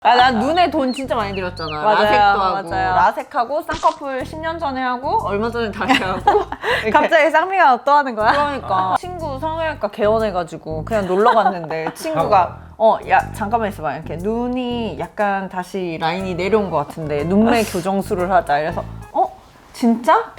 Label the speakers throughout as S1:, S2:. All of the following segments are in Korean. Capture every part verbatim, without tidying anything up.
S1: 아, 난 눈에 돈 진짜 많이 들였잖아.
S2: 맞아요,
S1: 라섹도 하고
S2: 맞아요.
S1: 라섹하고 쌍꺼풀 십 년 전에 하고 얼마 전에 다시 하고
S2: 갑자기 쌍미가 또 하는 거야?
S1: 그러니까 친구 성형외과 개원해가지고 그냥 놀러 갔는데 친구가 어, 야 잠깐만 있어봐 이렇게 눈이 약간 다시 라인이 내려온 것 같은데 눈매 교정술을 하자 이래서 어? 진짜?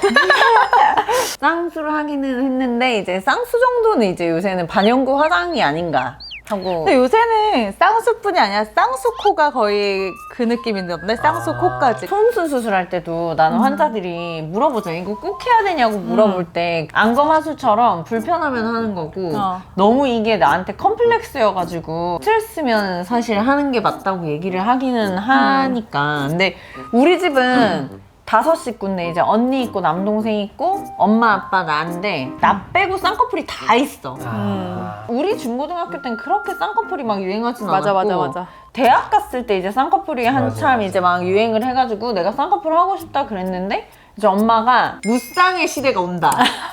S1: 쌍수를 하기는 했는데 이제 쌍수 정도는 이제 요새는 반영구 화장이 아닌가 하고.
S2: 근데 요새는 쌍수뿐이 아니라 쌍수코가 거의 그 느낌인데 쌍수코까지.
S1: 손수 수술할 때도 나는
S2: 음.
S1: 환자들이 물어보잖아. 이거 꼭 해야 되냐고 물어볼 때 안검하수처럼 불편하면 하는 거고
S2: 어.
S1: 너무 이게 나한테 컴플렉스여가지고 스트레스면 사실 하는 게 맞다고 얘기를 하기는 하니까. 근데 우리 집은 다섯 식구인데 이제 언니 있고 남동생 있고 엄마 아빠 나인데 나 빼고 쌍꺼풀이 다 있어.
S3: 아.
S1: 우리 중고등학교 땐 그렇게 쌍꺼풀이 막 유행하진
S2: 맞아,
S1: 않았고
S2: 맞아, 맞아.
S1: 대학 갔을 때 이제 쌍꺼풀이 한참
S3: 맞아, 맞아.
S1: 이제 막 유행을 해가지고 내가 쌍꺼풀 하고 싶다 그랬는데 이제 엄마가 무쌍의 시대가 온다.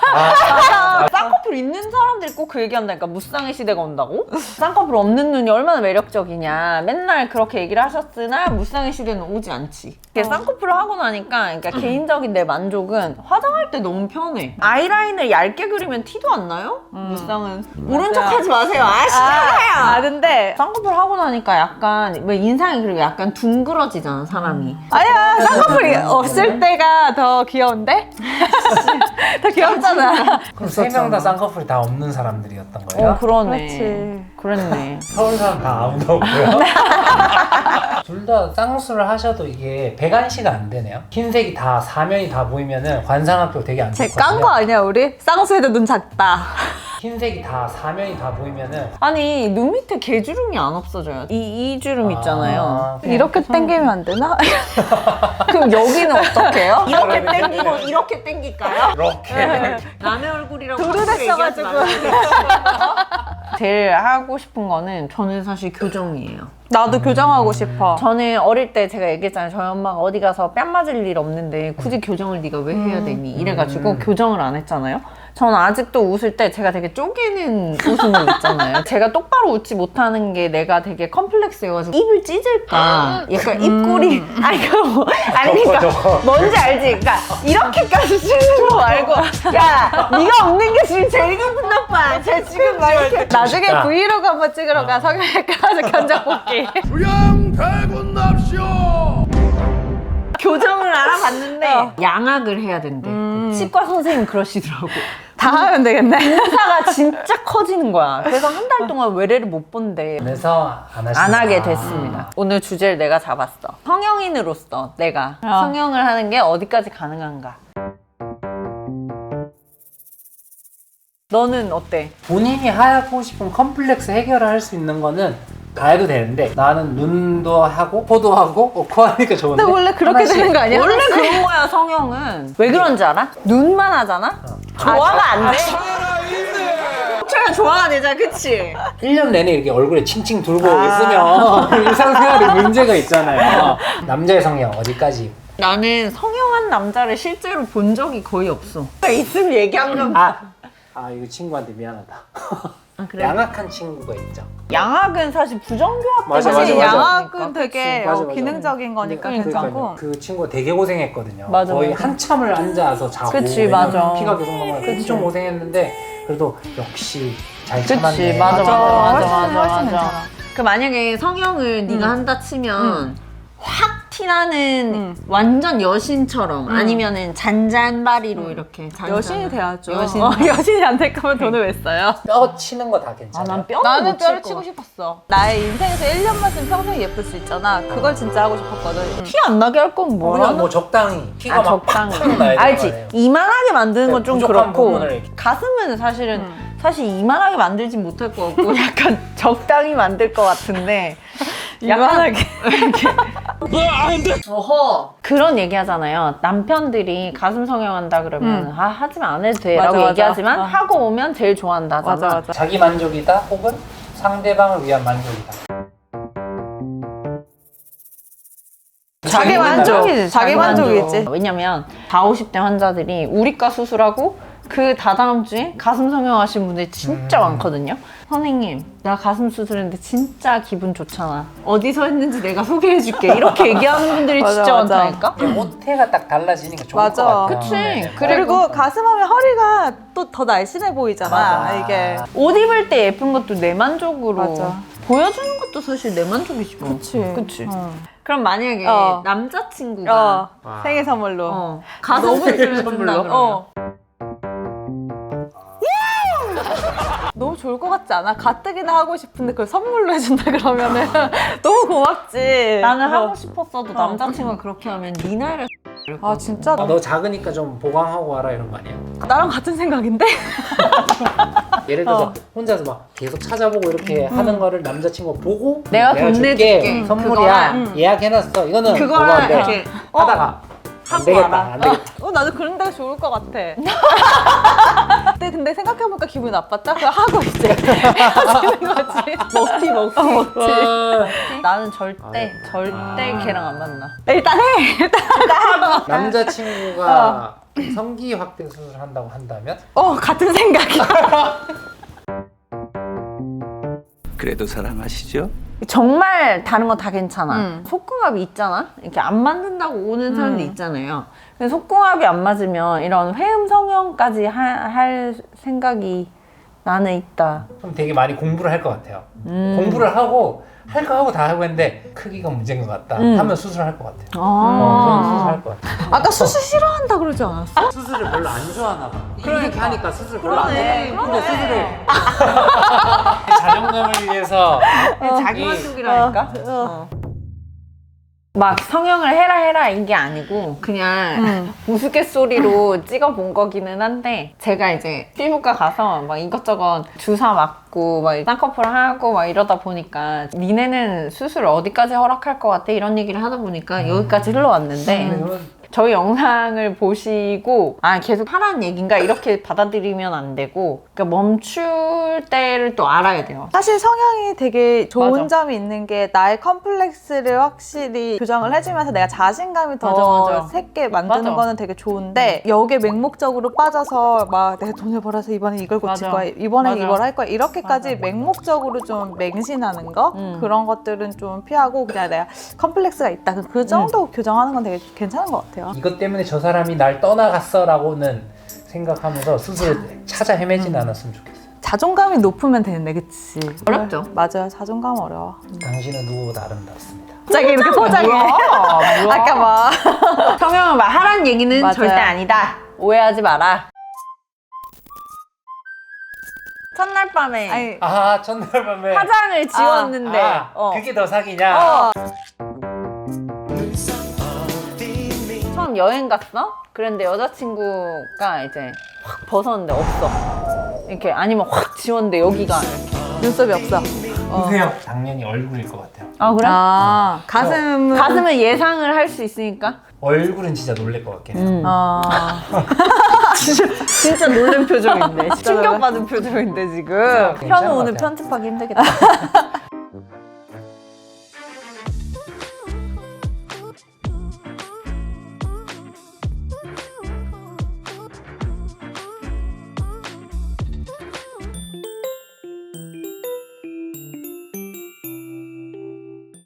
S3: 아.
S1: 쌍꺼풀 있는 사람들이 꼭 그 얘기한다니까. 무쌍의 시대가 온다고? 쌍꺼풀 없는 눈이 얼마나 매력적이냐 맨날 그렇게 얘기를 하셨으나 무쌍의 시대는 오지 않지. 이게 쌍꺼풀을 하고 나니까 그러니까 개인적인 내 만족은 화장할 때 너무 편해. 아이라인을 얇게 그리면 티도 안 나요? 무쌍은 오른쪽 하지 마세요. 아 싫어요.
S2: 아, 근데
S1: 쌍꺼풀 하고 나니까 약간 왜 인상이 그리고 약간 둥그러지잖아 사람이.
S2: 아니야, 쌍꺼풀이 없을 때가 더 귀여운데? 더 귀엽잖아.
S3: 그럼 세 명 다 쌍꺼풀이 다 없는 사람들이었던 거예요?
S1: 어 그러네.
S2: 그렇지.
S1: 그랬네.
S3: 서울 사람 다 아무도 없고요. 둘 다 쌍수를 하셔도 이게 배관시가 안 되네요. 흰색이 다 사면이 다 보이면은 관상학교 되게 안
S2: 쟤
S3: 좋거든요.
S2: 깐 거 아니야, 우리? 쌍수해도 눈 작다.
S3: 흰색이 다 사면이 다 보이면은
S1: 아니 눈 밑에 개주름이 안 없어져요. 이, 이 주름 있잖아요.
S3: 아,
S2: 이렇게 당기면 안 되나?
S1: 그럼 여기는 어떻게 해요? 이렇게
S3: 그러네.
S1: 당기고 이렇게 당길까요?
S3: 이렇게
S1: 남의 얼굴이라고
S2: 도로
S1: 함부로 얘기하지
S2: 됐어가지고.
S1: 말라고. 제일 하고 싶은 거는 저는 사실 교정이에요.
S2: 나도 교정하고 싶어.
S1: 저는 어릴 때 제가 얘기했잖아요. 저희 엄마가 어디 가서 뺨 맞을 일 없는데 굳이 교정을 네가 왜 해야 되니? 이래가지고
S3: 음.
S1: 교정을 안 했잖아요. 저는 아직도 웃을 때 제가 되게 쪼개는 웃음을 있잖아요. 제가 똑바로 웃지 못하는 게 내가 되게 컴플렉스여가지고 입을 찢을까? 약간 입꼬리 아니 그 아니 그러니까
S3: 저거.
S1: 뭔지 알지? 그러니까 이렇게까지 찢는 거 말고 야 네가 없는 게 지금 제일 기분 나빠. 쟤 지금 막 이렇게
S2: 나중에
S3: 진짜.
S2: 브이로그 한번 찍으러 가. 성형외과 가서 견적 볼게.
S4: 부양대군 납시오.
S1: 교정을 알아봤는데
S2: 어.
S1: 양악을 해야 된대.
S2: 음.
S1: 치과 선생님 그러시더라고.
S2: 다 하면 되겠네.
S1: 인사가 진짜 커지는 거야. 그래서 한 달 동안 외래를 못 본대.
S3: 그래서 안 하시는
S1: 안 하게
S3: 아.
S1: 됐습니다. 오늘 주제를 내가 잡았어. 성형인으로서 내가
S2: 어.
S1: 성형을 하는 게 어디까지 가능한가? 너는 어때?
S3: 본인이 하고 싶은 컴플렉스 해결을 할 수 있는 거는 다 해도 되는데 나는 눈도 하고 코도 하고 어, 코 하니까 좋은데
S2: 근데 원래 그렇게
S3: 하나씩.
S2: 되는 거 아니야?
S1: 원래 그런 거야 성형은. 왜 그런지 알아? 눈만 하잖아? 조화가 안 돼? 촬영 조화가 되잖아 그치?
S3: 일 년 내내 이렇게 얼굴에 칭칭 둘고
S1: 아.
S3: 있으면 일상생활에 문제가 있잖아요. 남자의 성형 어디까지?
S1: 나는 성형한 남자를 실제로 본 적이 거의 없어. 있으면 얘기하면
S3: 아, 아 이거 친구한테 미안하다.
S1: 아, 그래?
S3: 양악한 친구가 있죠.
S1: 양악은 사실 부정교합
S3: 맞아,
S2: 사실
S3: 맞아, 맞아.
S2: 양악은 되게
S3: 맞아,
S2: 어,
S3: 맞아.
S2: 기능적인 거니까
S3: 근데
S2: 괜찮고.
S3: 그러니까요. 그 친구가 되게 고생했거든요.
S1: 맞아,
S3: 거의
S1: 맞아.
S3: 한참을 앉아서 자고
S1: 그치,
S3: 왜냐면
S1: 맞아.
S3: 피가 계속 넘어가니까 엄청 고생했는데 그래도 역시 잘
S1: 그치,
S3: 참았네.
S1: 맞아, 맞아, 맞아,
S2: 훨씬,
S1: 맞아,
S2: 훨씬
S1: 맞아.
S2: 괜찮아.
S1: 그 만약에 성형을 네가
S2: 음.
S1: 한다 치면 확 티나는
S2: 음.
S1: 완전 여신처럼 아니면은 잔잔바리로 이렇게 잔잔.
S2: 여신이 돼야죠.
S1: 여신.
S2: 어, 여신이 안 될 거면 돈을 왜 써요?
S3: 뼈 치는 거 다 괜찮아요.
S1: 아난 뼈는
S2: 나는
S1: 못
S2: 뼈를
S1: 칠
S2: 치고
S1: 거.
S2: 싶었어. 나의 인생에서 일 년만 쓰면 평생 예쁠 수 있잖아. 그걸 진짜 하고 싶었거든.
S1: 티 안 나게 할 건 뭐야?
S3: 그냥 뭐 적당히 피가
S1: 아
S3: 막
S1: 적당히.
S3: 팍팍 나야 되는 거
S1: 알지.
S3: 아니에요?
S1: 이만하게 만드는 건
S3: 네,
S1: 좀
S3: 부족한
S1: 그렇고
S3: 부분을 이렇게.
S1: 가슴은 사실은
S2: 음.
S1: 사실 이만하게 만들진 못할 것 같고 약간 적당히 만들 것 같은데
S2: 이만하게.
S1: 어허 그런 얘기 하잖아요. 남편들이 가슴 성형한다 그러면
S2: 음.
S1: 아 하지만 안 해도 돼 라고
S2: 맞아, 맞아.
S1: 얘기하지만
S2: 어.
S1: 하고 오면 제일 좋아한다 하잖아.
S2: 맞아, 맞아.
S3: 자기 만족이다 혹은 상대방을 위한 만족이다.
S2: 자기 만족이지. 자기 만족이지.
S1: 왜냐면 사오십 대 환자들이 우리과 수술하고 그 다다음 주에 가슴 성형하신 분들이 진짜
S3: 음.
S1: 많거든요. 선생님, 나 가슴 수술했는데 진짜 기분 좋잖아. 어디서 했는지 내가 소개해줄게. 이렇게 얘기하는 분들이
S2: 맞아,
S1: 진짜
S2: 맞아.
S1: 많다니까?
S3: 호태가 딱 달라지니까 좋을
S2: 맞아.
S3: 것 같아요.
S1: 그치.
S3: 네.
S2: 그리고 가슴하면 허리가 또 더 날씬해 보이잖아.
S3: 맞아.
S2: 이게.
S1: 옷 입을 때 예쁜 것도 내 만족으로
S2: 맞아.
S1: 보여주는 것도 사실 내 만족이지 뭐.
S2: 그치.
S1: 그치.
S2: 어.
S1: 그럼 만약에
S2: 어.
S1: 남자친구가
S2: 어.
S3: 와.
S2: 생일 선물로.
S1: 어, 가슴
S2: 너무
S1: 수술을
S3: 선물로?
S1: 준다 그러면
S2: 어. 너무 좋을 것 같지 않아? 가뜩이나 하고 싶은데 그걸 선물로 해준다 그러면은 너무 고맙지.
S1: 나는
S2: 어.
S1: 하고 싶었어도 남자친구가 그렇게 하면 네 나이를
S2: 아 진짜
S3: 아, 너 작으니까 좀 보강하고 와라 이런 거 아니야?
S2: 나랑 같은 생각인데?
S3: 예를 들어서
S2: 어.
S3: 혼자서 막 계속 찾아보고 이렇게 하는 거를 남자친구가 보고
S1: 내가 돈 내줄게.
S3: 선물이야.
S1: 그거랑,
S3: 예약해놨어. 이거는
S1: 그거랑
S3: 고마운데
S1: 이렇게
S3: 하다가 안
S1: 하고
S3: 되겠다.
S1: 와라.
S3: 안 되겠다.
S2: 어 나도 그런 데가 좋을 것 같아. 근데 근데 생각해보니까 기분이 나빴다? 그냥 하고 이제 헤어지는 거지.
S1: 먹튀 먹튀
S3: 와.
S1: 나는 절대
S3: 아유.
S1: 절대
S3: 아.
S1: 걔랑 안 만나.
S2: 일단 해. 일단
S3: 남자친구가 성기 확대 수술을 한다고 한다면
S2: 어 같은 생각이야.
S4: 그래도 사랑하시죠?
S1: 정말 다른 거 다 괜찮아.
S2: 음.
S1: 속궁합이 있잖아. 이렇게 안 맞는다고 오는 사람도
S2: 음.
S1: 있잖아요. 근데 속궁합이 안 맞으면 이런 회음 성형까지 하, 할 생각이 나는 있다.
S3: 그럼 되게 많이 공부를 할 것 같아요.
S1: 음.
S3: 공부를 하고 할 거 하고 다 하고 했는데 크기가 문제인 것 같다
S1: 음.
S3: 하면 수술할 것 같아요. 어,
S1: 아.
S3: 저는 수술할 것 같아요.
S2: 아까 수술 싫어한다 그러지 않았어?
S3: 수술을 별로 안 좋아하나 봐. 그렇게 하니까 수술 별로 안
S1: 그러네,
S3: 좋아해. 근데
S1: 그러네.
S3: 수술을 자존감을 위해서
S1: 자기
S3: 이-
S1: 만족이라니까.
S2: 어.
S1: 어. 막 성형을 해라 해라 이게 아니고 그냥
S2: 음.
S1: 우스갯소리로 찍어본 거기는 한데 제가 이제 피부과 가서 막 이것저것 주사 맞고 막 쌍꺼풀 하고 막 이러다 보니까 니네는 수술 어디까지 허락할 것 같아 이런 얘기를 하다 보니까 여기까지 흘러왔는데
S3: 그러면
S1: 저희 영상을 보시고 아 계속 하라는 얘기인가 이렇게 받아들이면 안 되고 그러니까 멈출 때를 또 알아야 돼요.
S2: 사실 성향이 되게 좋은
S1: 맞아.
S2: 점이 있는 게 나의 컴플렉스를 확실히 교정을 해주면서 내가 자신감이 더
S1: 맞아, 맞아.
S2: 새게 만드는
S1: 맞아.
S2: 거는 되게 좋은데 여기에 맹목적으로 빠져서 막 내가 돈을 벌어서 이번에 이걸 고칠
S1: 맞아.
S2: 거야 이번에
S1: 맞아.
S2: 이걸 할 거야 이렇게까지
S3: 맞아, 맞아.
S2: 맹목적으로 좀 맹신하는 거
S1: 음.
S2: 그런 것들은 좀 피하고 그냥 내가 컴플렉스가 있다 그 정도
S1: 음.
S2: 교정하는 건 되게 괜찮은 것 같아요.
S3: 이것 때문에 저 사람이 날 떠나갔어 라고는 생각하면서 수술을 찾아 헤매진 않았으면 좋겠어요.
S2: 자존감이 높으면 되는데 그치?
S1: 어렵죠.
S2: 맞아요. 자존감 어려워.
S3: 당신은 누구보다 아름답습니다.
S2: 갑자기 이렇게 포장해. 아까 막
S1: 성형을 막 하라는 얘기는
S2: 맞아요.
S1: 절대 아니다. 오해하지 마라. 첫날 밤에
S2: 아니,
S3: 아 첫날 밤에
S1: 화장을 지웠는데
S3: 아,
S1: 어.
S3: 그게 더 사기냐?
S2: 어.
S1: 처음 여행 갔어? 그런데 여자친구가 이제 확 벗었는데 없어. 이렇게 아니면 확 지웠는데 여기가 이렇게.
S2: 눈썹이 없어.
S3: 보세요. 당연히 얼굴일 것 같아요.
S1: 아 그래?
S2: 아, 가슴은
S1: 가슴은 예상을 할 수 있으니까.
S3: 얼굴은 진짜 놀랄 것 같긴 해요.
S1: 음.
S2: 아,
S1: 진짜, 진짜 놀란 표정인데. 충격받은 표정인데 지금.
S3: 괜찮은
S1: 현우
S3: 것
S1: 오늘
S3: 같아요.
S1: 편집하기 힘들겠다.